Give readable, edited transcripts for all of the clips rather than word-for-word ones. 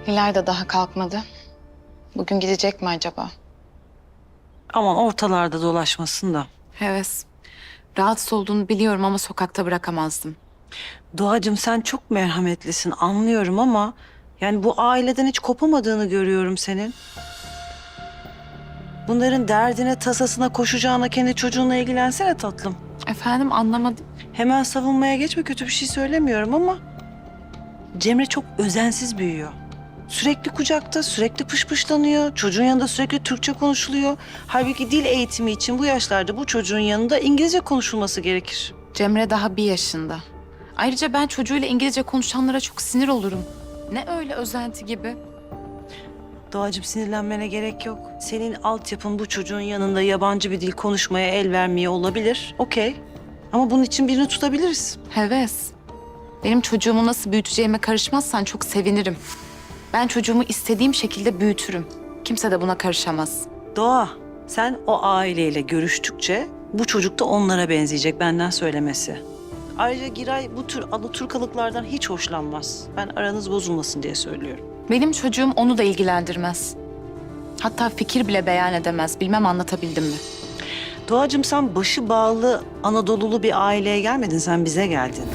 Hilal de daha kalkmadı. Bugün gidecek mi acaba? Aman ortalarda dolaşmasın da. Heves. Rahatsız olduğunu biliyorum ama sokakta bırakamazdım. Doğacığım sen çok merhametlisin anlıyorum ama... yani bu aileden hiç kopamadığını görüyorum senin. Bunların derdine, tasasına koşacağına kendi çocuğunla ilgilensene tatlım. Efendim anlamadım. Hemen savunmaya geçme, kötü bir şey söylemiyorum ama... Cemre çok özensiz büyüyor. Sürekli kucakta, sürekli pışpışlanıyor. Çocuğun yanında sürekli Türkçe konuşuluyor. Halbuki dil eğitimi için bu yaşlarda bu çocuğun yanında İngilizce konuşulması gerekir. Cemre daha 1 yaşında. Ayrıca ben çocuğuyla İngilizce konuşanlara çok sinir olurum. Ne öyle özenti gibi. Doğacığım sinirlenmene gerek yok. Senin altyapın bu çocuğun yanında yabancı bir dil konuşmaya el vermeye olabilir. Okey. Ama bunun için birini tutabiliriz. Heves. Benim çocuğumu nasıl büyüteceğime karışmazsan çok sevinirim. Ben çocuğumu istediğim şekilde büyütürüm. Kimse de buna karışamaz. Doğa, sen o aileyle görüştükçe bu çocuk da onlara benzeyecek, benden söylemesi. Ayrıca Giray bu tür alaturkalıklardan hiç hoşlanmaz. Ben aranız bozulmasın diye söylüyorum. Benim çocuğum onu da ilgilendirmez. Hatta fikir bile beyan edemez. Bilmem anlatabildim mi? Doğacığım sen başı bağlı Anadolulu bir aileye gelmedin, sen bize geldin.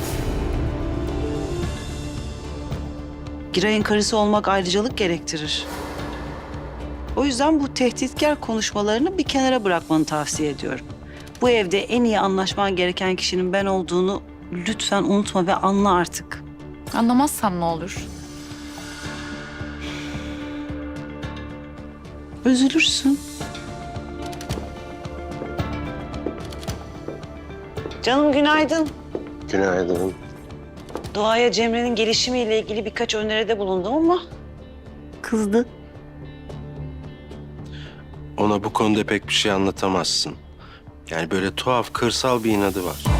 Giray'ın karısı olmak ayrıcalık gerektirir. O yüzden bu tehditkar konuşmalarını bir kenara bırakmanı tavsiye ediyorum. Bu evde en iyi anlaşman gereken kişinin ben olduğunu lütfen unutma ve anla artık. Anlamazsam ne olur? Üzülürsün. Canım günaydın. Günaydın. Doğa'ya Cemre'nin gelişimiyle ilgili birkaç öneride bulundum ama kızdı. Ona bu konuda pek bir şey anlatamazsın. Yani böyle tuhaf, kırsal bir inadı var.